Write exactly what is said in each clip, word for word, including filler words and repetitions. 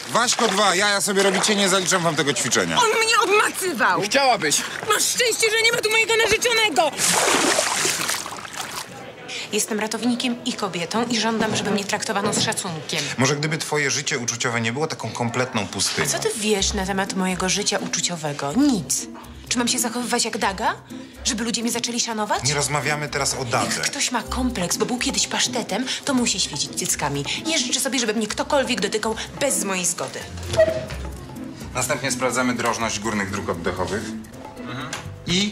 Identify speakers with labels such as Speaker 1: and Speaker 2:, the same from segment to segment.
Speaker 1: Waśko dwa, jaja sobie robicie, nie zaliczam wam tego ćwiczenia.
Speaker 2: On mnie obmacywał!
Speaker 3: Chciałabyś.
Speaker 2: Masz szczęście, że nie ma tu mojego narzeczonego! Jestem ratownikiem i kobietą i żądam, żeby mnie traktowano z szacunkiem.
Speaker 1: Może gdyby twoje życie uczuciowe nie było taką kompletną pustynią.
Speaker 2: Co ty wiesz na temat mojego życia uczuciowego? Nic. Czy mam się zachowywać jak Daga? Żeby ludzie mnie zaczęli szanować?
Speaker 1: Nie rozmawiamy teraz o Dadze.
Speaker 2: Jak ktoś ma kompleks, bo był kiedyś pasztetem, to musi świecić cyckami. Nie życzę sobie, żeby mnie ktokolwiek dotykał bez mojej zgody.
Speaker 1: Następnie sprawdzamy drożność górnych dróg oddechowych. Mhm. I...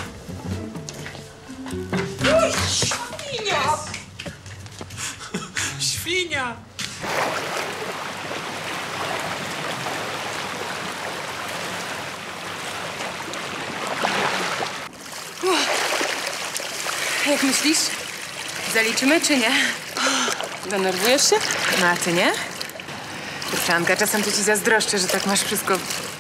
Speaker 2: Świnia!
Speaker 3: Świnia!
Speaker 2: Jak myślisz? Zaliczymy czy nie?
Speaker 4: Denerwujesz się?
Speaker 2: No a ty nie? Kurczanka, czasem to ci zazdroszczę, że tak masz wszystko...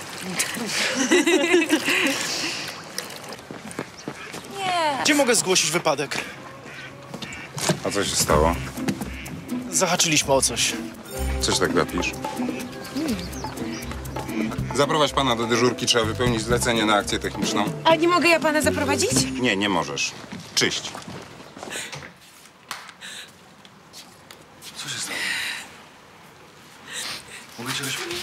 Speaker 2: Nie.
Speaker 3: Gdzie mogę zgłosić wypadek?
Speaker 1: A co się stało?
Speaker 3: Zahaczyliśmy o coś.
Speaker 1: Coś tak gapisz? Zaprowadź pana do dyżurki, trzeba wypełnić zlecenie na akcję techniczną.
Speaker 2: A nie mogę ja pana zaprowadzić?
Speaker 1: Nie, nie możesz. Czyść.
Speaker 3: Co się stało? Mogę cię wyśmieć?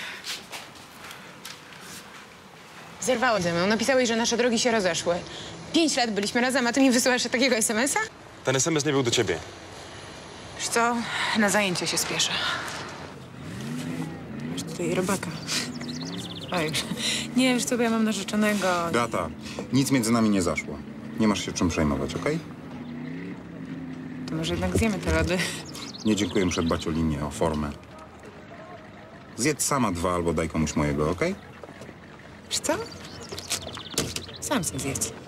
Speaker 2: Zerwało ze mną. Napisałeś, że nasze drogi się rozeszły. Pięć lat byliśmy razem, a ty mi wysyłasz takiego es em es a?
Speaker 5: Ten es em es nie był do ciebie.
Speaker 2: Wiesz co? Na zajęcia się spieszę. Masz tutaj robaka. Oj, nie, wiesz co, bo ja mam narzeczonego.
Speaker 1: Beata, nic między nami nie zaszło. Nie masz się czym przejmować, okej?
Speaker 2: To może jednak zjemy te lody.
Speaker 1: Nie dziękuję, muszę dbać o linię, o formę. Zjedz sama dwa albo daj komuś mojego, okej?
Speaker 2: Wiesz co? Sam sobie zjedz.